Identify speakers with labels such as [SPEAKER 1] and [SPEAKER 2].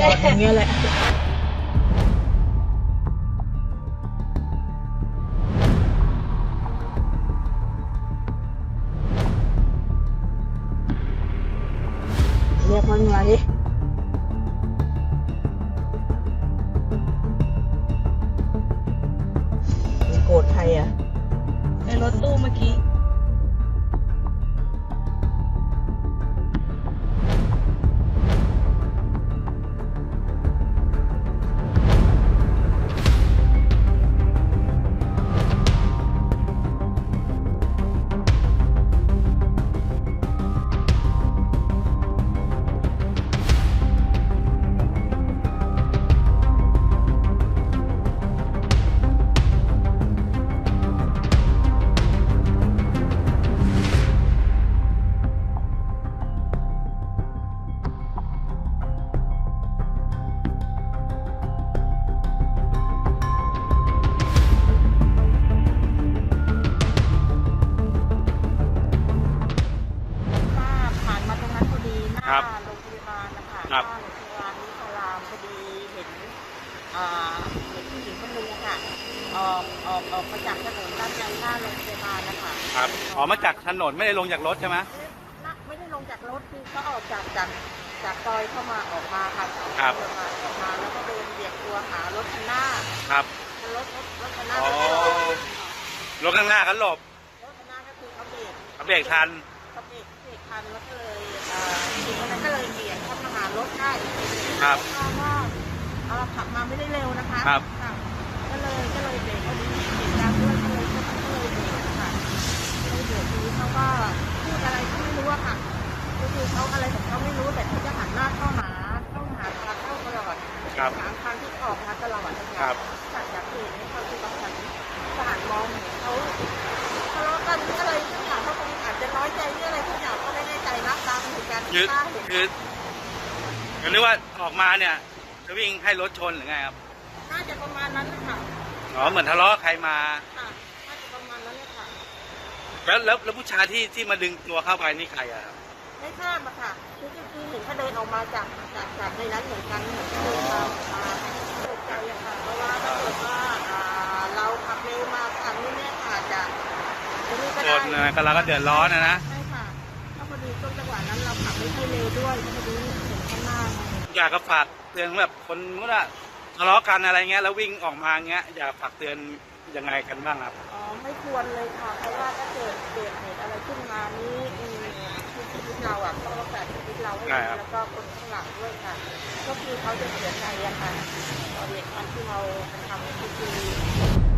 [SPEAKER 1] อดอย่างเงี้ยแหละเรียกมันมาดิโกรธใครอ่ะในรถตู้เมื่อกี้ผ่านมาตรงนั้นพอดีหน้าโรงพยาบาลนะคะหน้าโรงพยาบาลนิสรามพอดีเห็นผู้หญิงคนนึงค่ะออกมาจากถนนด้านในหน้าโรงพยาบาลนะคะ
[SPEAKER 2] ครับออกมาจากถนนไม่ได้ลงจากรถใช่ไหม
[SPEAKER 1] ไม่ได้ลงจากรถคือเขาออกจากซอยเข้ามาออกมาค่ะ
[SPEAKER 2] ครับ
[SPEAKER 1] ออกมาแล้วก็เดินเบียดตัวหารถคันหน้า
[SPEAKER 2] ครับ
[SPEAKER 1] รถคันหน้าร
[SPEAKER 2] ถข้างหน้าเขาหลบ
[SPEAKER 1] รถคันหน้าก็คือเขาเบรก
[SPEAKER 2] ทัน
[SPEAKER 1] แล้วก็เลยทีนั้นก็เลยเบียดเข้ามาหารถได้
[SPEAKER 2] ครับ
[SPEAKER 1] ก็ขับมาไม่ได้เร็วนะคะ
[SPEAKER 2] ครับ
[SPEAKER 1] ก็เลยเบรกพอดีเบรกดังด้วยก็เลยเบรกค่ะเลยเบรกทีนี้เขาก็พูดอะไรก็ไม่รู้อะค่ะคือเขาอะไรของเขาไม่รู้แต่เขาจะหันหน้าเข้าหาทางเข้าตลอดทางที่ออกมาตลอดนะคะจากเหตุเขาคือเขาหันมองเขาทะเลาะกันอะไรทุกอย่างเขาคงอาจจะน้อยใจหรืออะไรทุกอย่างก็ไม่แน่ใจนะตามเหตุการณ์ที่ได้
[SPEAKER 2] คือนึกว่าออกมาเนี่ยจะวิ่งให้รถชนหรือไงครับ
[SPEAKER 1] น่าจะประมาณนั้นค่ะ
[SPEAKER 2] เหมือนทะเลาะใครมา
[SPEAKER 1] ค่ะน่าจะประมาณนั้นเลยค่ะ
[SPEAKER 2] แล้วผู้ชายที่มาดึงตัวเข้าไปนี่ใครอะครับ
[SPEAKER 1] ไม่ทราบอะค่ะคือเห็นเขาเดินออกมาจากในนั้นเหมือนกันเหมือนเดินมาตกใจอะค่ะเพราะว่าถ้าเกิดว่าเราขับเร็วมาทางนี้เนี่ยอาจจะ
[SPEAKER 2] คนก็เราก็เดือดร้อนนะ
[SPEAKER 1] ใช่ค่ะถ้าพอดีช่วงจังหวะนั้นเราขับไม่ค่อยเร็วด้วยพอดีเห็นข้างหน้า
[SPEAKER 2] อยากจะฝากเตือนแบบคนมุดอะทะเลาะกันอะไรเงี้ยแล้ววิ่งออกมาเงี้ยอยากฝากเตือนยังไงกันบ้างครับ
[SPEAKER 1] ไม่ควรเลยค่ะเพราะว่าถ้าเกิดเหตุอะไรขึ้นมานี้ชีวิตเราอ่ะต้องรักษาชีวิตเราให้ดีแล้วก็คนข้างหลังด้วยค่ะก็คือเขาจะเสียใจอะค่ะตอนเหตุการณ์ที่เราทำคือ